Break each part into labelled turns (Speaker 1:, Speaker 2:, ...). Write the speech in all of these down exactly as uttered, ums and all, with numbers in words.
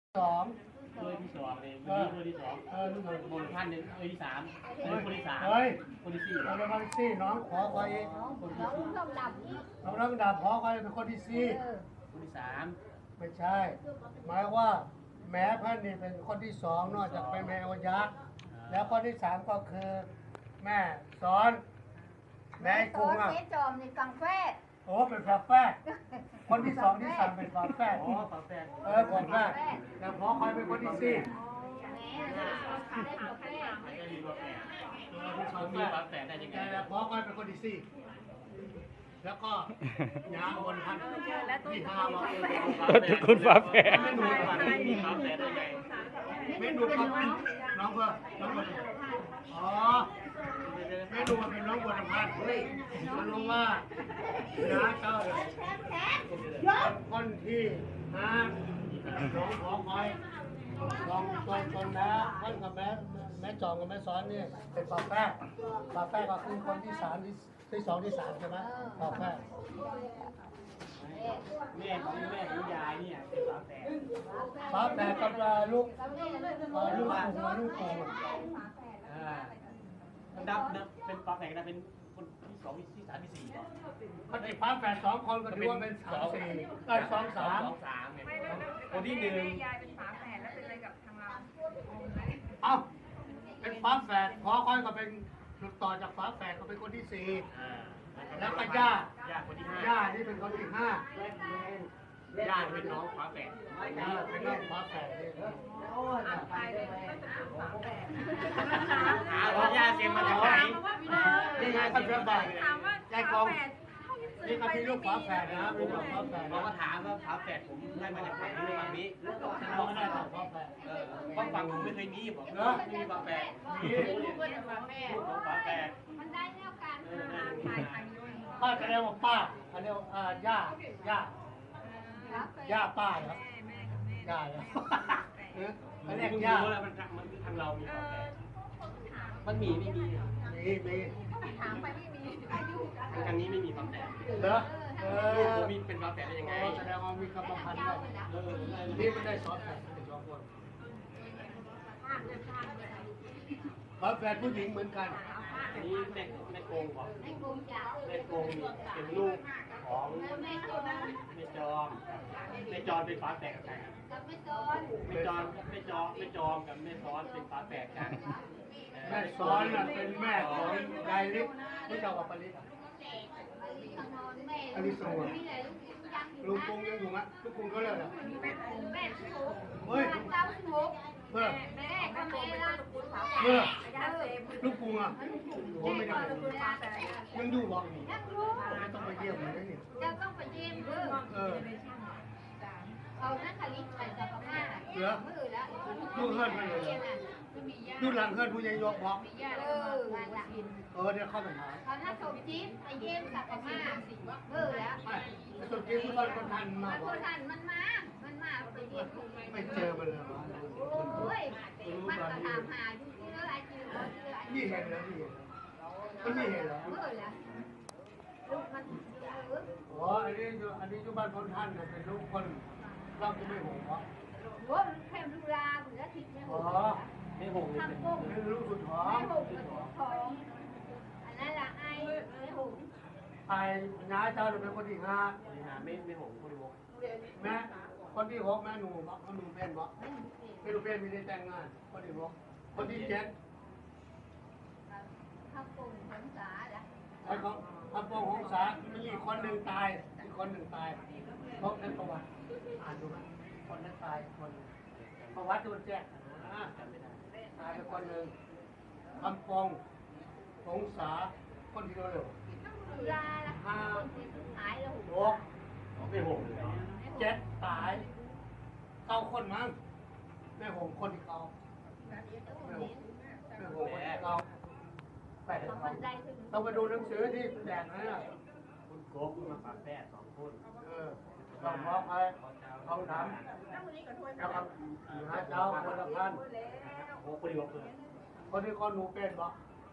Speaker 1: สอง
Speaker 2: ด้วยที่สองเลยวันนี้ด้วยที่สอง
Speaker 1: เออลูกหนึ่ง
Speaker 2: บนท่านหนึ่งด้วยที่สามคนที่สาม
Speaker 1: เฮ้ย
Speaker 2: คนที่สี่
Speaker 1: เราเป็นคนที่สี่น้องขอคอย
Speaker 2: คนที่
Speaker 3: น้อง
Speaker 2: สี่
Speaker 3: ต้องดับอีก
Speaker 1: น้องรักดาบขอคอยเป็นคนที่สี่
Speaker 3: เออ
Speaker 2: คนที่สาม
Speaker 1: ไม่ใช่ หมายว่า แม้พันนี่เป็นคนที่สองนอกจากเป็นแม่อยักษ์แล้วคนที่สามก็คือ แม่สอน แม่กุ้งอ่ะ
Speaker 3: เจ๊จอมในกังแฟด
Speaker 1: โอ้เป็นฝาแฝดคนที่สองที่สามเป็นฝาแฝด
Speaker 2: อ๋อฝาแฝด
Speaker 1: เออฝาแฝดแล้วขอคอยเป็นคนที่สี่
Speaker 3: แม่ได้กังแฟด
Speaker 2: ไม่ได้มีฝาแฝด
Speaker 1: เออเป็นฝา
Speaker 2: เขา
Speaker 1: แฝ
Speaker 2: มี
Speaker 1: ด
Speaker 2: ฝาแฝดได้ยังไง
Speaker 1: แล้วขอคอยเป็นคนที่สี่แล้วก็ยางบนพันที่ห้าว่าเออ
Speaker 4: คุณฝาแฝด
Speaker 2: ไม่รู้ว่ามีฝาแฝดได้ไง
Speaker 1: เมนูครับน้องเพื่อน้องเพื่ออ๋อเมนูมันเป็นน้องบัวลำพันธ์เฮ้ยมันรู้ว่าน้าเจ้าเลยคนที่ห้าน้องขอคอยลองตนตนนะท่านกับแม่แม่จองกับแม่ซ้อนนี่เป็นฝาแฝดฝาแฝดก็คือคนที่สามที่ที่สองที่สามใช่ไหมฝาแฝด
Speaker 2: แม่ของแม่ของยายเนี่ยเป็นฝาแฝด
Speaker 1: ฝาแฝดกับลูกลูกปู่ลูกปู่
Speaker 2: อ่านับนับเป็นฝาแฝดนะเป็นคนที่สองที่สามที่สี่ป่ะ
Speaker 1: คนไอ้ฝาแฝดสองคนก็ถือว่าเป็นสามสี่เอ้ยสองสาม
Speaker 2: สองสามเนี่ยคนที่หนึ่ง
Speaker 5: ยายเป็นฝาแฝดแล้วเป็นอะไรกับทางเรา
Speaker 1: เอ้าเป็นฝาแฝดขอค่อยก็เป็นต่อจากฝาแฝดก็เป็นคนที่สี่
Speaker 2: อ่า
Speaker 1: แล้วก็ย่า
Speaker 2: ย่าคนที่ห้า
Speaker 1: ย่านี่เป็นคนที่ห้า
Speaker 2: ย่าเป็นน้องฝาแฝด
Speaker 1: ย่าเป็นน้องฝาแฝดนี่
Speaker 5: ตายเลยไม่เป็นฝาแฝด
Speaker 2: หาว่าย่าเสียงมาจากไหน
Speaker 1: นี่ไงคนเพื่อนบ้าน
Speaker 5: ถามว่าฝาแฝด
Speaker 1: นี่ก็พี่ลูกฝาแฝดนะมีลูกฝาแฝด
Speaker 2: เรา
Speaker 1: นะ
Speaker 2: ก็ถามว่าฝาแฝดผมได้มาจากไหนในฝั่งนี้
Speaker 1: เราไม่ได้ฝาแฝด
Speaker 2: เออเพราะฝั่งผมไม่เคยมีบอกว่าไม่มีฝาแฝด
Speaker 1: นี่
Speaker 2: ลูกของฝาแฝด
Speaker 3: มันได้แนวการ
Speaker 2: เออ
Speaker 5: ถ่ายถ่ายด้วย
Speaker 1: ป้าจะเรียกว่าป้าเขาเรียกว่าอ่าย่าย่าย่าป้าเหรอ
Speaker 5: แม่แม่กับแม่
Speaker 1: ย่าเหรอเออเขาเรียก
Speaker 2: เพิ่ง
Speaker 1: ย่า
Speaker 2: รู้แล้วมันมันทางเรามีฝาแฝดมันมีไม่มี
Speaker 1: มีมี
Speaker 3: ถามไปไม่มีอายุ
Speaker 2: ทางนี้ไม่มีฝาแฝด
Speaker 1: เหรอเอ
Speaker 2: ลูก
Speaker 1: อ
Speaker 2: ผมมีเป็นฝาแฝดได้ยังไง
Speaker 1: แสดงว่ามีกรรมพันธุ์ด้วย
Speaker 2: เออ
Speaker 1: นี่ไม่ได้สอนแฝดไม่ได้สอนคนฝาแฝดผู้หญิงเหมือนกัน
Speaker 2: นี่แม่แม่โกงบอก
Speaker 3: ในกลุ่มจ่า
Speaker 2: แม่โกงนี่เป็นลูกของ
Speaker 3: แม่คนนั้น
Speaker 2: แม่จอมแม่จอมเป็นฝาแฝดกับใครครับ
Speaker 3: กับแม่จอน
Speaker 2: แม่จอมแม่จอมแม่จอมกับแม่ซ้อนเป็นฝาแฝดกัน
Speaker 1: แม่สอนน่ะเป็นแม่ของยายลิศไม่เจ้ากับปริศอ่ะ
Speaker 3: นอนแม่
Speaker 1: อันนี้สวย
Speaker 3: มีอะไรลูกยังอยู่
Speaker 1: ลุงกงยังอยู่มั้ยลุงกงเขาเลิกแล้ว
Speaker 3: แม่ทุก
Speaker 1: เฮ้ย
Speaker 3: เจ้าทุก
Speaker 1: เพื่อ
Speaker 3: แม่ก็แม่ละ
Speaker 1: เพื่อ
Speaker 5: ญาติเซฟ
Speaker 1: ลุงกงอ่ะโอ้ไม่ได้
Speaker 5: ฝาแฝด
Speaker 1: ยังอยู่หรอก
Speaker 3: ยังรู้
Speaker 1: ไม่ต้องไปเยี่ยมมันได้นี่
Speaker 3: จะต้องไปเยี่ยมเด้อ
Speaker 1: เออ
Speaker 3: เอานักคลิตไปสักประมาณ
Speaker 1: เหลือ
Speaker 3: มือละ
Speaker 1: ดูเฮือนไปเลยดูหลังเฮือนผู้ใหญ่ยกบอก
Speaker 3: เออมาละ
Speaker 1: เออเดี๋ยวเข้าไปหา
Speaker 3: ตอนนั้นสมจิ๊บไปเยี่ยมสักประมาณมือละ
Speaker 1: ไปไปสุดที่ผู้บ้านคนทันมา
Speaker 3: มัน
Speaker 1: บ
Speaker 3: ค
Speaker 1: อก
Speaker 3: นทันมันมา มันมาไปเยี่ยม
Speaker 1: ไม่เจอมันเลยวะ
Speaker 3: โอ้ยมันก็ถามหาอยู่ที่เรื่องอะไรที่เรื่องอะไร
Speaker 1: นี่เห็นแล้วนี่เห็นแล้วมันนี่เห็นแล้ว
Speaker 3: มือละลูกมันเออ
Speaker 1: อ๋ออันนี้อยู่อันนี้อยู่บ้านคนท่านน่ะเป็นลูกคนเราก็ไม่หงวะ
Speaker 3: โอ้ยแค่ลูกลาเหลือทิพย์เนี่ย
Speaker 1: อ๋อ
Speaker 2: ไม่หงเลยเป็น
Speaker 3: ทำกุ้ง
Speaker 1: นี่ลูกสุดท้อ
Speaker 3: ไม่
Speaker 1: ง
Speaker 3: หงกับของอันนั้นละไอ้ไม่หง
Speaker 1: ไอ้น้าเจ้าเป็นคนที่ห้า
Speaker 2: นี่นะไม่ไม่หงคนที่หก
Speaker 1: แม่คนที่หกแม่หนูบอกเขาหนูเป็นบอกไม่รู้เป็นไม่ได้แต่งงานคนที่หกคนที่เจ็ด
Speaker 3: ทำกุ้งผลสาละ
Speaker 1: ไอ้ของทำปองของสามีอีกคนหนึ่งตายอีกคนหนึ่งตายเพราะนั้นประวัติอ่านดูไหมคนนั้นตายคนประวัติโดนแจ้งอ่าจำไม่ได้ตายไปคนหนึ่งทำปองของสาคนที่เร็ว
Speaker 3: ลูกลาละคนที่หายแล้ว
Speaker 1: หก
Speaker 2: ไม่หงเลย
Speaker 1: เจ็ดตายเก้าคนมั้งแม่หงคนที่เก้าแม่หงแม่หงคนที่เก้าแปด
Speaker 3: ของ
Speaker 1: เก้า
Speaker 3: มันได้ถึง
Speaker 1: ต้องไปดูหนังสือที่แจกนะเนี่ย
Speaker 2: คุณโกบมาฝาแฝดสองคน
Speaker 1: เออต้องบอกใครทองถามแล้วก็หาเจ้าคนละพัน
Speaker 2: โอ้คนที่หกเลย
Speaker 1: คนที่คนหนูเป็นบ่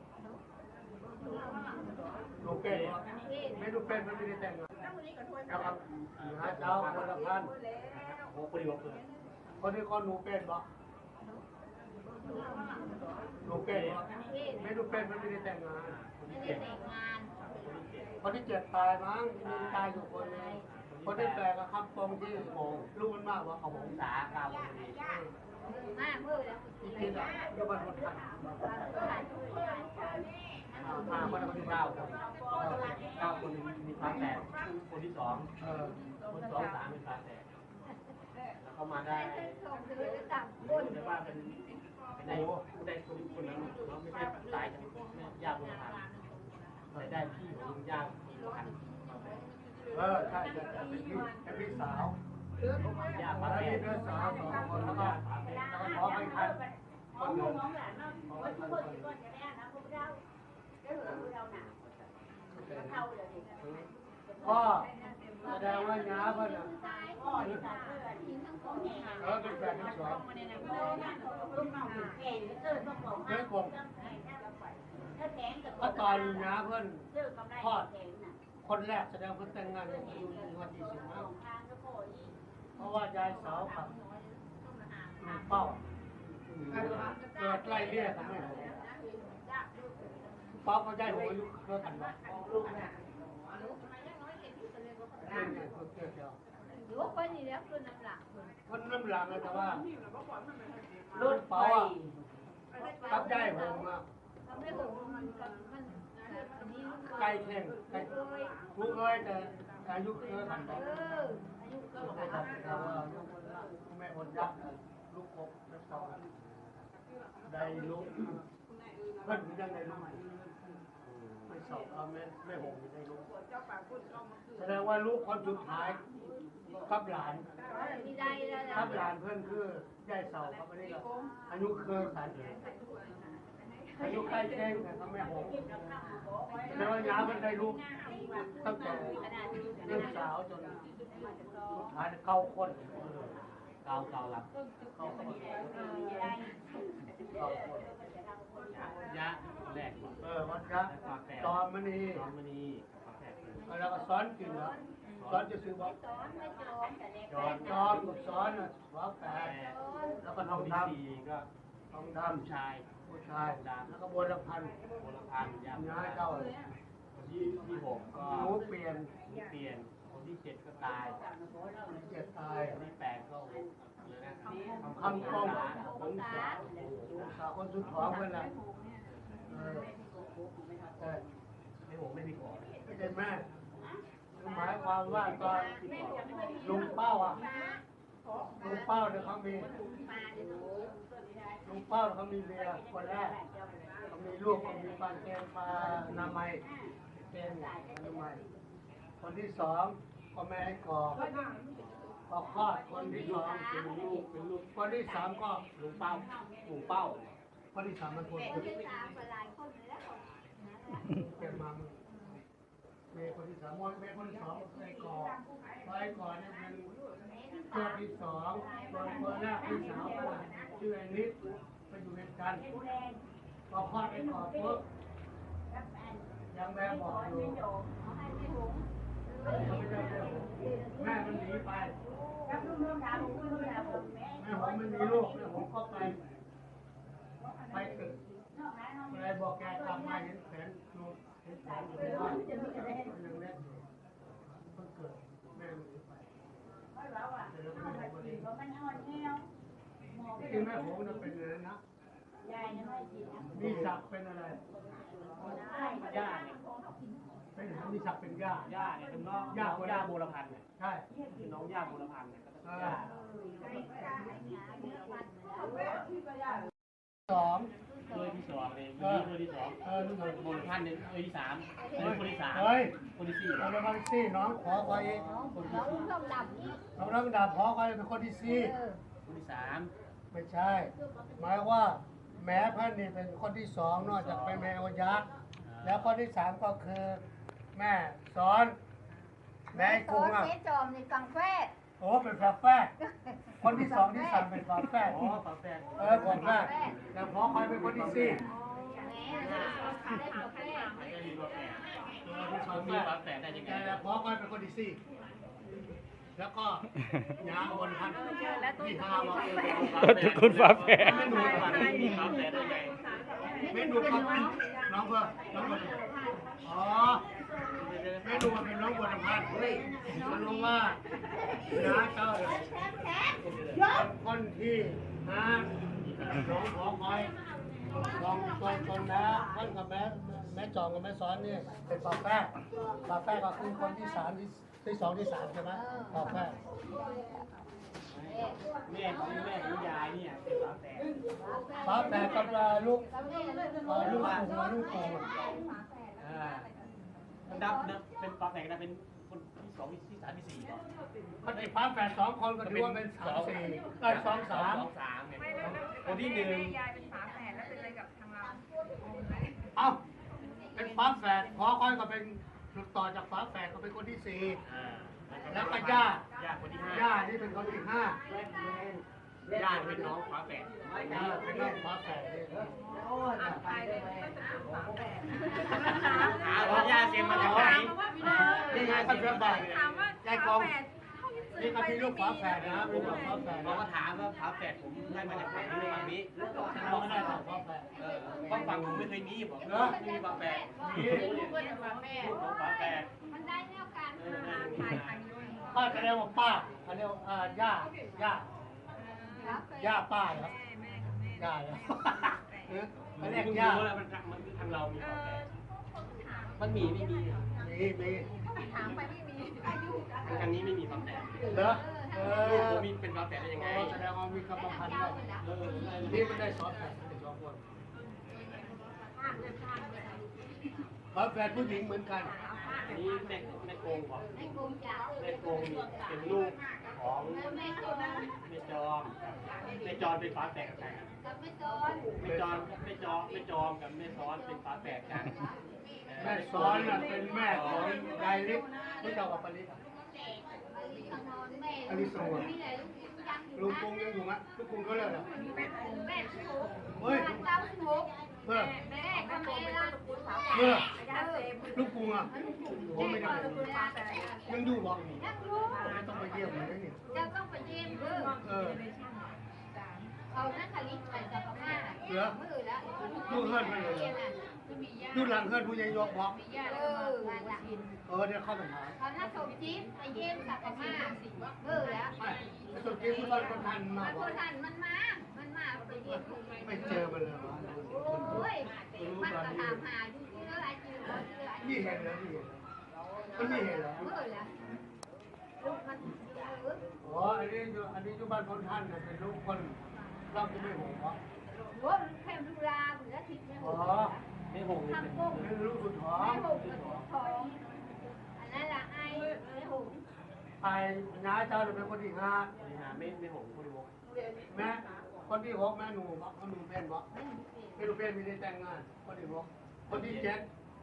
Speaker 1: หนูเป็นบ่ไม่ดูเป็นมันไม่ได้แต่งงานแล้วก็หาเจ้าคนละพัน
Speaker 2: โอ้คนที่หกเลย
Speaker 1: คคนที่คนหนูเป็นบ่หนูเป็นบ่ไม่หนูเป็นมันไม่ได้แต่งงาน
Speaker 3: ไม่ได้แต่งงาน
Speaker 1: คนที่เจ็ดตายมั้งมีตายอยู่คนนึงคนที่แปลก็คำตรงที่โหรู้มันมากว่าเขาหงสาเก้าคนนี้
Speaker 3: มากเมื่อแล้ว
Speaker 1: ที่คิดอ่ะก็มันคนทันมาคนละคนที่เก้าคนเก้าคนมีฟ้าแตกคนที่สองเออคนสองสามเป็นฟ้าแตกแล้วเขามาได้
Speaker 3: ส่งถือต่างค
Speaker 2: รู้
Speaker 3: น
Speaker 2: เลยว่าเป็นเป็นได้ได้คนคนนั้นเราไม่ใช่ตายจากญาติบุญธรรมแต่ได้พี่ของญาติบุญธรรม
Speaker 1: เออใช่ใช่เป็นพี่เป็นพี่สาว
Speaker 2: ญาติ
Speaker 1: มา
Speaker 2: มา
Speaker 1: แล้ว
Speaker 2: แก่
Speaker 1: พี่เป็นสาวสองคนแล้วก็ขอไปทันคนหนึ่งขอไปทันคนหนึ่งก็แสดงว่าน้าเพิ่นอ่ะเออเป็นแฟนทั้งสองเฮ้ยผมก็ตอนน้าเพิ่นทอดคนแรกแสดงเพิ่นแต่งงานอายุวันที่สิบห้าเพราะว่ายายสาวกับลุงเป้าเกิดไล่เลี่ยกันไม่หมดเป้าก็ได้หัวอายุเท่ากันบ่
Speaker 3: หรือว่าคนนี้แล้วคือน้ำหลัก
Speaker 1: คนน้ำหลังแต่ว่ารุ่นเป้าอ่ะกับได้หัวมา
Speaker 3: ทำให้ผมมันมันนี้
Speaker 1: ไก่แข่งไก่ลูกเอ้ยแต่อายุเยอะทัน
Speaker 3: เอ
Speaker 1: บ่
Speaker 3: ออายุก็
Speaker 1: แต่ว่าแม่คนยักษ์ลูกกบแล้วก็ได้ลูกเพิ่นยังได้ลูกไม่สอบเอาแม่แม่หงได้ลูกแสดงว่าลูกคนสุดท้ายกับหลาน
Speaker 3: มีได้แล้ว
Speaker 1: กับหลานเพื่อนคือยายเสาครับอันนี้ก็อายุเคยสันอายุใกล้แจ้งนะครับแม่หงแล้วยามันได้ลูกตั้งแต่ลูกสาวจนสุดท้ายเข้าคนเก่าเก่าหลับเข้าคนเข้าคน
Speaker 2: ยะแรก
Speaker 1: เออวันครับตอนมันนี่
Speaker 2: ตอนมณีฝาแฝด
Speaker 1: แล้วก็ซ้อนกินเหรอซ้อนจะซื้อบอก
Speaker 3: สอนไม่จบแต่เด็ก
Speaker 1: จอนจอนกับซ้อนอ่ะหัวแปดแล้วก็ทอง
Speaker 2: ที่
Speaker 1: ด
Speaker 2: สี่ก็
Speaker 1: ำทองด
Speaker 2: ผู้ชาย
Speaker 1: ำผู้ชายแล้วก็โบราณพันธุ์
Speaker 2: โบราณพันธุ์ยาม
Speaker 1: ย้ายเจ้า
Speaker 2: ที่ที่หกก็
Speaker 1: หนูเปลี่ยน
Speaker 2: เปลี่ยนคนที่เจ็ดก็ตาย
Speaker 1: เจ็ดตาย
Speaker 2: คนที่แปดก็เลยนะ
Speaker 1: คำกององศาองศาคนสุดท้องเพื่อนละเออแต่
Speaker 2: ไม่หกไม่มีขอ
Speaker 1: ไม่ใช่แม่หมายความว่าตอนลุงเป้าอ่ะลุงเป้าเนี่ยเขามีลุงเป้าเขามีเมียคนแรกเขามีลูกเขามีปลาแกงปลานามัยเป็นนามัยคนที่สองก็แม่ให้กอกก็คลอดคนที่สองเป็นลูกเป็นลูกคนที่สามก็
Speaker 2: ลุงเป้าลุงเป้า
Speaker 1: คนที่สามมันคน
Speaker 3: เป็นที่สามหลายคนแล้ว
Speaker 1: เกิดมามึงเมียคนที่สามวันเมียคนที่สองไอ้กอกไอ้กอกเนี่ยเป็นเจ้าที่สองคนคนแรกที่สาวก็ชื่อไอ้นิดไปอยู่ด้วยกันพอคลอดไอ้กอกปุ๊บยังแม่บอกอยู่แม่มันหนีไปแม่ผมไม่มีลูกแม่ผมก็ไปไปตึกอะไรบอกแกกลับมาเห็นแขนดูเห็นแขนอยู่ในบ้านยังเล็กอยู่เพิ่งเกิดแม่มันหนีไปที่แม่ผมจะเป็นอะไรนะมีศักดิ์เป็นอะไร
Speaker 2: ย่าเนี่ย
Speaker 1: เป็นมีศักดิ์เป็นย่า
Speaker 2: ย่าเนี่ยเป็นน้องย่าย่าโบราณพันธุ์เนี่ย
Speaker 1: ใช่
Speaker 2: เป็นน้องย่าโบราณพันธุ์เนี่ย
Speaker 1: เอ
Speaker 2: ย่า
Speaker 1: อสอง
Speaker 2: เบอร์ที่สองเลยวันนี้เบอร์ที่สอง
Speaker 1: เออลูกหนึ่ง
Speaker 2: โบราณพันธุ์เนี่ยเบอร์ที่สามเบอร์คนที่สาม
Speaker 1: เฮ้ย
Speaker 2: คนที่สี่
Speaker 1: เราเป็นคนที่สี่น้องขอคอย
Speaker 3: น้องต้องดับนี่
Speaker 1: น้องน้องดาบขอคอยเป็นคนที่สี่
Speaker 2: คนที่สาม
Speaker 1: ไม่ใช่ หมายว่าแม้เพื่อนนี่เป็นคนที่สองนอกจากเป็นแม่อยักษ์แล้วคนที่สามก็คือแม่สอนแม่กุ้งอ่ะ
Speaker 3: เจ๊จอมในกังแฟ
Speaker 1: โอ้เป็นฝาแฝดคนที่สองที่สามเป็นฝาแฝด
Speaker 2: อ๋อฝาแฝด
Speaker 1: เออฝาแฝดแต่พอคอยเป็นคนที่สี่
Speaker 3: แม่ได้กาแฟ
Speaker 2: ไม่ได้มีฝาแฝด
Speaker 1: เออเป็น
Speaker 2: เขา
Speaker 1: ฝาแฝ
Speaker 2: มี
Speaker 1: ด
Speaker 2: ฝาแฝดได้ยังไง
Speaker 1: แต่พอคอยเป็นคนที่สี่
Speaker 2: ฝ
Speaker 1: แล้วก็ยาบนพันที่ห้าบอก
Speaker 4: ต้นตระกูลฝาแฝด
Speaker 1: ไม่ดูก่อน
Speaker 2: มีฝาแฝดได้ไง
Speaker 1: ไม่ดูก่อนน้องเพื่อน้องเพื่ออ๋อไม่ดูมันเป็นน้องบนพันเฮ้ยมันรู้ว่าน้าเจ้าเลยคนที่ห้าน้องขอคอยลองตนตนนะท่านกับแม่แม่จองกับแม่ซ้อนนี่เป็นฝาแฝดฝาแฝดก็คือคนที่สามที่ที่สองที่สามใช่ไหมฝาแฝด
Speaker 2: แม่ของแม่ของยายเนี่ยเป็นฝาแฝด
Speaker 1: ฝาแฝดกับลูกลูกปู่ลูกปู่
Speaker 2: อ่ามันดับเนอะเป็นฝาแฝดนะเป็นคนที่สองที่สามที่สี่เหรอ
Speaker 1: มันไอ้ฝาแฝดสองคนก็ถือว่าเป็นสามสี่เอ้ยสองสาม
Speaker 2: สองสามเนี่ย
Speaker 5: ไม่แล้ว
Speaker 2: คนที่หนึ่ง
Speaker 5: ยายเป็นฝาแฝดแล้วเป็นอะไรกับทางเรา
Speaker 1: เอ้าเป็นฝาแฝดพอค่อยก็เป็นต่อจากฝาแฝดก็เป็นคนที่สี่
Speaker 2: อ่า
Speaker 1: แล้วก็ย่า
Speaker 2: ย่าคนที่ห้า
Speaker 1: ย่านี่เป็นคนที่ห้า
Speaker 2: ย่าเป็นน้องฝาแฝด
Speaker 1: เออเป็นน้องฝาแฝดนี่
Speaker 5: อ่านไปเลยก็จะเป็นฝาแฝด
Speaker 2: หาว่าย่าเสียมาจากไหน
Speaker 1: นี่ไงท่านเพื่อนบ้าน
Speaker 5: ถามว่าฝาแฝด
Speaker 1: นี่ก็มีลูกฝาแฝดนะมีลูกฝาแฝด
Speaker 2: เรา
Speaker 1: นะ
Speaker 2: ก็ถามว่าฝาแฝดผมได้มาจากไหนหรือฝั่งนี้
Speaker 1: เราก็ได้สองฝาแฝด
Speaker 2: เออต้องฝั่งผมไม่เคยมีบอก
Speaker 1: เนอะ
Speaker 2: ไม่มีฝาแฝด
Speaker 1: นี่
Speaker 2: ลูกของฝาแฝด
Speaker 3: มันได้แนวการ
Speaker 2: เออนั่น
Speaker 5: ถ่ายถ่ายด้วย
Speaker 1: ป้าจะเรียกว่าป้าเขาเรียกว่าอ่าย่าย่าย่าป้าเหรอ
Speaker 5: แม่แม่กับแม่
Speaker 1: ย่าเหรอเออเขา
Speaker 2: เรี
Speaker 1: เรี
Speaker 2: ย
Speaker 1: ย
Speaker 2: ก
Speaker 1: ก
Speaker 2: ย่า
Speaker 1: ย่า
Speaker 2: แล้วมันมันทางเรามี
Speaker 5: เอ
Speaker 2: ฝาแฝ
Speaker 5: อ
Speaker 2: ดมันมีไม่มี
Speaker 1: มีมี
Speaker 5: ถามไปไม่มีอายุ
Speaker 2: ทางนี้ไม่มีฝาแฝด
Speaker 1: เหรอเอ
Speaker 2: ลูก
Speaker 1: อ
Speaker 2: ผมมีเป็นฝาแฝดได้ยังไง
Speaker 1: แสดงว่ามีกรรมพันธุ์ด้วย
Speaker 2: เออ
Speaker 1: นี่มันได้สองแฝดมันได้สองคนฝาแฝดผู้หญิงเหมือนกัน
Speaker 2: นี่แม่แม่โกงบอก
Speaker 3: ในกลุ่มจ่า
Speaker 2: แม่โกงนี่เป็นลูกของ
Speaker 3: แม่ตัว
Speaker 2: แม่จอมแม่จอมเป็นฝาแฝดกับใครครับ
Speaker 3: กับไม่ตอน
Speaker 2: แม่จอมแม่จอมแม่จอมกับแม่ซ้อนเป็นฝาแฝดกัน
Speaker 1: แม่ซ้อนน่ะเป็นแม่ของยายเล็กที่เรากับปริศ
Speaker 3: นอนแม่
Speaker 1: อลิสว
Speaker 3: นี่แหละลูกยัง
Speaker 1: ลุงปุงยังอยู่ไหมลุงปุงเขาเลิกเหรอ
Speaker 3: แม่ถูก
Speaker 1: เฮ้ย
Speaker 3: เก้าสิบหก
Speaker 1: เมื่อ
Speaker 5: แม่ก็โกงเป็นตระกูลฝาแฝ
Speaker 1: เมื่อ
Speaker 5: ดยาเซม
Speaker 1: ลุงปุงอ่ะโอ้ไม่ได้
Speaker 5: ตระกูลฝาแฝด
Speaker 1: ยังอยู่บอก
Speaker 3: นักรู้
Speaker 1: ไม่ต้องไปเยี่ยมเลยนี่
Speaker 3: จะต้องไปเยี่ยมเออ
Speaker 1: เออ
Speaker 3: เอานักคลิตไปกับพม่ามือแล้ว
Speaker 1: ดูเฮิร์นไปเลยดูหลังเฮิร์นผู้ใหญ่ยกบอก
Speaker 3: เออนั่นแหละ
Speaker 1: เออเดี๋ยวเข้าไปหา
Speaker 3: เขาถ้าสมจิ๊บไปเยี่ยมกับพม่าเออแล้ว
Speaker 1: ไม่สุดที่ผู้บ้านคนทันมา
Speaker 3: มัน
Speaker 1: บ
Speaker 3: ค
Speaker 1: อก
Speaker 3: นทันมันมา มันมาไปเยี่ยม
Speaker 1: ไม่เจอมันเลยวะ
Speaker 3: โอ้ยมันก็ถามหาอยู่ที่เรื่องอะไรอยู่เรื่องอะไร
Speaker 1: นี่เห็นแล้วนี่เห็นมันไม่เห็นเหรอ
Speaker 3: เมื่อแล้วลูกมันเออ
Speaker 1: อ๋ออันนี้อยู่อันนี้อยู่บ้านคนทันเนี่ยเป็นลูกคนเราจะไม่ห่วงวะ
Speaker 3: โอ้แค่ดูลาเหมือนทิพย์ไม่ห
Speaker 1: อ๋
Speaker 3: ง
Speaker 1: อ
Speaker 2: แม่หงนี่เป็น
Speaker 3: ทำกุ้ง
Speaker 1: เป็นลูกสุดท้อ
Speaker 3: ไม่
Speaker 1: ง
Speaker 3: หงกับทองอันนั้นละไอ้ไม่หง
Speaker 1: ไปน้าเจ้าเป็นคนที่ห้า
Speaker 2: นี่ฮะไม่ไม่หงคนวง
Speaker 1: แม่คนที่หกแม่หนูบอกหนูเป็นบอกไม่รู้เป็นไม่ได้แต่งงานคนที่หกคนที่เจ็ด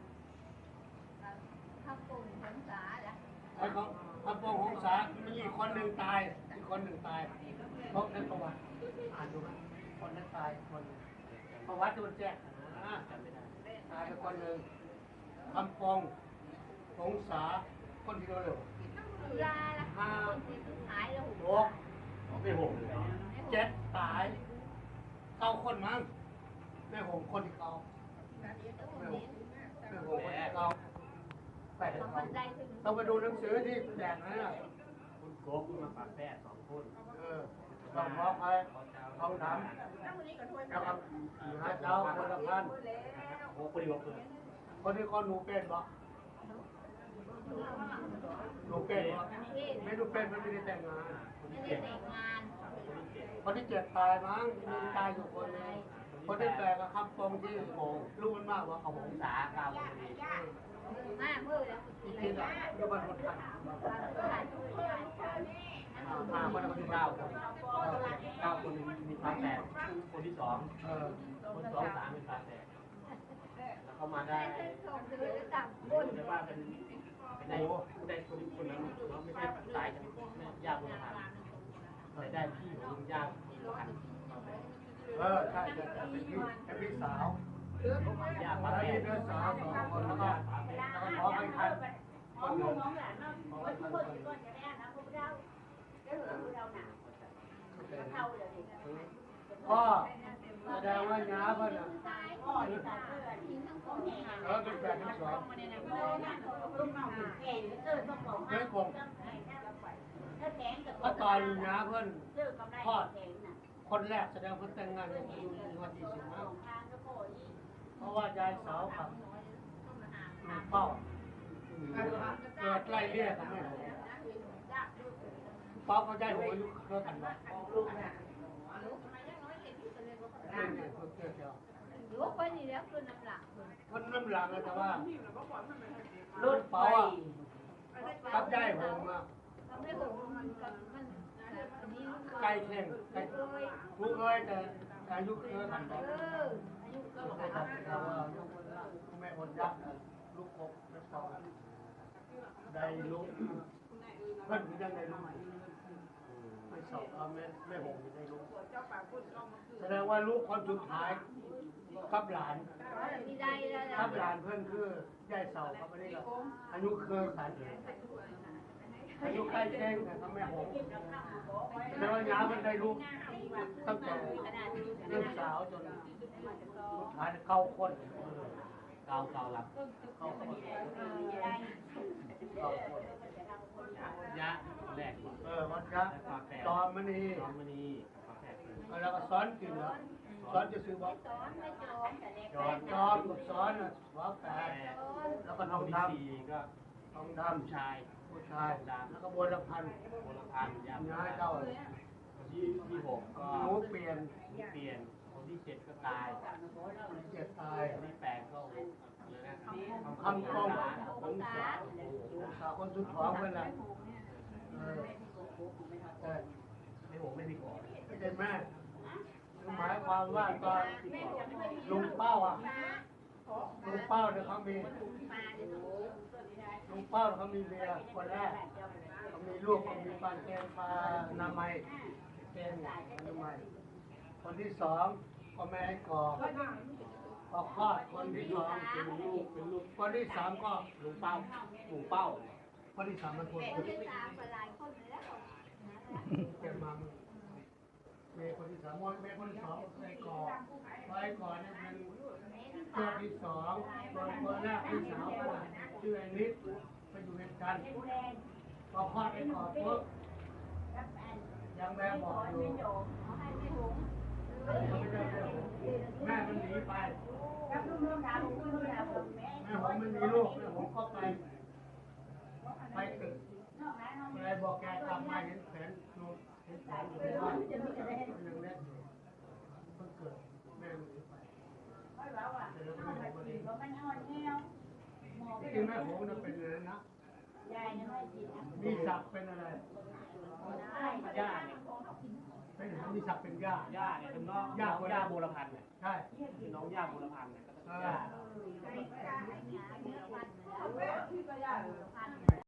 Speaker 3: ข้าวปุ้งผลสาละ
Speaker 1: ไอ้ของพระปงหงษามีอีกคนหนึ่งตายอีกคนหนึ่งตายเพราะนั้นประวัติอ่านดูไหมคนนั้นตายคนหนึ่งประวัติมันแจ้งนะ
Speaker 2: จำไม่ได้
Speaker 1: ตายไปคนหนึ่งคำปงหงษาคนที่เร็ว
Speaker 3: ดูลาละคนที่หายแล้ว
Speaker 1: หก
Speaker 2: ไม่หงเลย
Speaker 1: เจ็ดตายเก้าคนมั้งแม่หงคนที่เก้าแม่หงแม่หงคนที่เก้าแปด
Speaker 3: มัน
Speaker 1: เก้า
Speaker 3: ได้ถึง
Speaker 1: ต้องไปดูหนังสือที่แจกนะเนี่ย
Speaker 2: คุณโกบมาฝาแฝดสองคน
Speaker 1: เออลองบอกไปลองถามแล้วก็หาเจ้าคนละพัน
Speaker 2: โอ้คนดีบอกเลย
Speaker 1: คนที่คนหนูเป็นบ่หนูเป็นบ่ไม่หนูเป็นมันไม่ได้แต่งงาน
Speaker 3: ไม่ได้แต่งงาน
Speaker 1: คนที่เจ็ดตายมั้งมีตายอยู่คนนึงคนที่แปดก็คำปงที่โหงรู้มันมากว่าเขาหง
Speaker 2: สาเก้าคนดี
Speaker 3: มาเมื่อแล้ว
Speaker 1: อีกทีอ่ะอยู่บ้านคนทันมาคนละคนที่เก้าคน
Speaker 2: เก้าคนมีฝาแฝดคนที่สอง
Speaker 1: เออ
Speaker 2: คนสองสามเป็นฝาแฝดแล้วเขามาได้
Speaker 3: ส่งซื้อต่างค
Speaker 2: รู้
Speaker 3: น
Speaker 2: ได้ว่าเป็นเป็นได้ได้คนคนนั้นเราไม่ใช่ตายจากแม่ย่าบุญธรรมแต่ได้พี่ของลุงย่าบุญธรรม
Speaker 1: เออใช่ใช่เป็นพี่เป็นพี่สาว
Speaker 2: ย่า
Speaker 1: มา
Speaker 2: ฝา
Speaker 1: แล้ว
Speaker 2: แฝ
Speaker 1: นี่
Speaker 2: ด
Speaker 1: เพื่อนสาวสองคนแล้วก็แล้วก็ขอให้ทันคนหนึ่งขอให้ทันคนหนึ่งพ่อแสดงว่าน้าเพิ่นอ่ะเออเป็นแปดทั้งสองเจ๊กงถ้าตอนน้าเพิ่นทอดคนแรกแสดงเพิ่นแต่งงานกันอยู่ในวันที่สิบห้าเพราะว่ายายสาวกับลุงเป้าเกิดไล่เลี่ยกันไม่หมดเป้าเขาได้หัวอายุเท่ากันไหม
Speaker 3: ลูกคนนี้แล้วคือน้ำหลัก
Speaker 1: คนน้ำหลังแต่ว่ารุ่นเป้าอ่ะกับได้หัวมา
Speaker 3: เราไม่บอกมันมันอันนี้
Speaker 1: ไก่แข่งไก่ผู้เคยแต่อายุเท่ากันไป
Speaker 3: เอออายุก็
Speaker 1: แต่ว่าแม่คนยักษ์ลูกกบแม่ปองได้ลูกเพิ่นยังได้ลูกไม่สอบเอาแม่แม่หงได้ลูกแสดงว่าลูกคนสุดท้ายกับหลาน
Speaker 3: มีได้แล้ว
Speaker 1: กับหลานเพื่อนคือยายเสาครับอันนี้ก็อายุเคยขันอายุใกล้แจ้งแต่ก็แม่หงแล้วน้ามันได้ลูกตั้งแต่ลูกสาวจนสุดท้ายเข้าคน
Speaker 2: เกาเกาหลับ
Speaker 1: เข้าคนเข้าคน
Speaker 2: ยะแรกก่อน
Speaker 1: เออมันจะตอมมันนี่
Speaker 2: น้องมณีฝาแฝด
Speaker 1: แล้วก็ซ้อนกินแล้วซ้อนจะซื้อบอก
Speaker 3: สอนไม่จบ
Speaker 1: จอมจอมกับซ้อนอ่ะว่าแปดแล้วก็ท
Speaker 2: น้อ
Speaker 1: อง ง
Speaker 2: ที่
Speaker 1: ด
Speaker 2: สี่ก็
Speaker 1: ำทองด
Speaker 2: ผู้ชาย
Speaker 1: ำผู้ชายแล้วก็บนละพัน
Speaker 2: โบราพันธ์ยาม
Speaker 1: ย้ายเจ้า
Speaker 2: ที่ที่หกก็
Speaker 1: หนูเปลี่ยน
Speaker 2: เปลี่ยนคนที่เจ็ดก็ตาย
Speaker 1: เจ็ดตาย
Speaker 2: คนที่แปดก็เลยนะ
Speaker 1: คำกองของสาวสาวคนสุดท้องเป็นไรเออเออ
Speaker 2: ไม่หกไม่มีก่อน
Speaker 1: ไม่ใช่แม่หมายความว่าตอนลุงเป้าอ่ะลุงเป้าเนี่ยเขามีลุงเป้าเขามีเมียคนแรกเขามีลูกเขามีปานแกนปลานามัยเป็นนามัยคนที่สองก็แม่ให้กอกพอคลอดคนที่สองเป็นลูกเป็นลูกคนที่สามก็
Speaker 2: ลุงเป้าลุงเป้า
Speaker 1: คนที่สามมันคน
Speaker 3: คนที่สามก็หลายคนแล้ว
Speaker 1: แกมามึงเมย์คนที่สามมอนเมย์คนที่สองไอ้กอกไอ้กอกเนี่ยเป็นเพื่อนที่สองคนคนแรกพี่สาวก็ชื่อไอ้นิดไปอยู่ในกันพอคลอดไอ้กอกปุ๊บยังแม่บอกอยู่แม่มันหนีไปแม่ผมไม่มีลูกแม่ผมก็ไปไปตึกอะไรบอกแกกลับมาเห็นแผนดูเห็นแผนอยู่ในบ้านยังเล็กอยู่เพิ่งเกิดแม่มันหนีไปแต่แล้วแม่ผมก็ดีที่แม่ผมน่ะเป็นอะไรนะมีศักดิ์เป็นอะไร
Speaker 2: ย่าเนี่ย
Speaker 1: เป็นมีศักดิ์เป็นย่า
Speaker 2: ย่าเนี่ยเป็นน้องย่าย่าโบราพันธ์เนี่ย
Speaker 1: ใช่
Speaker 2: คือน้องย่าโบราพันธ์เนี่ยก็
Speaker 1: เอ
Speaker 2: ย่า
Speaker 1: อ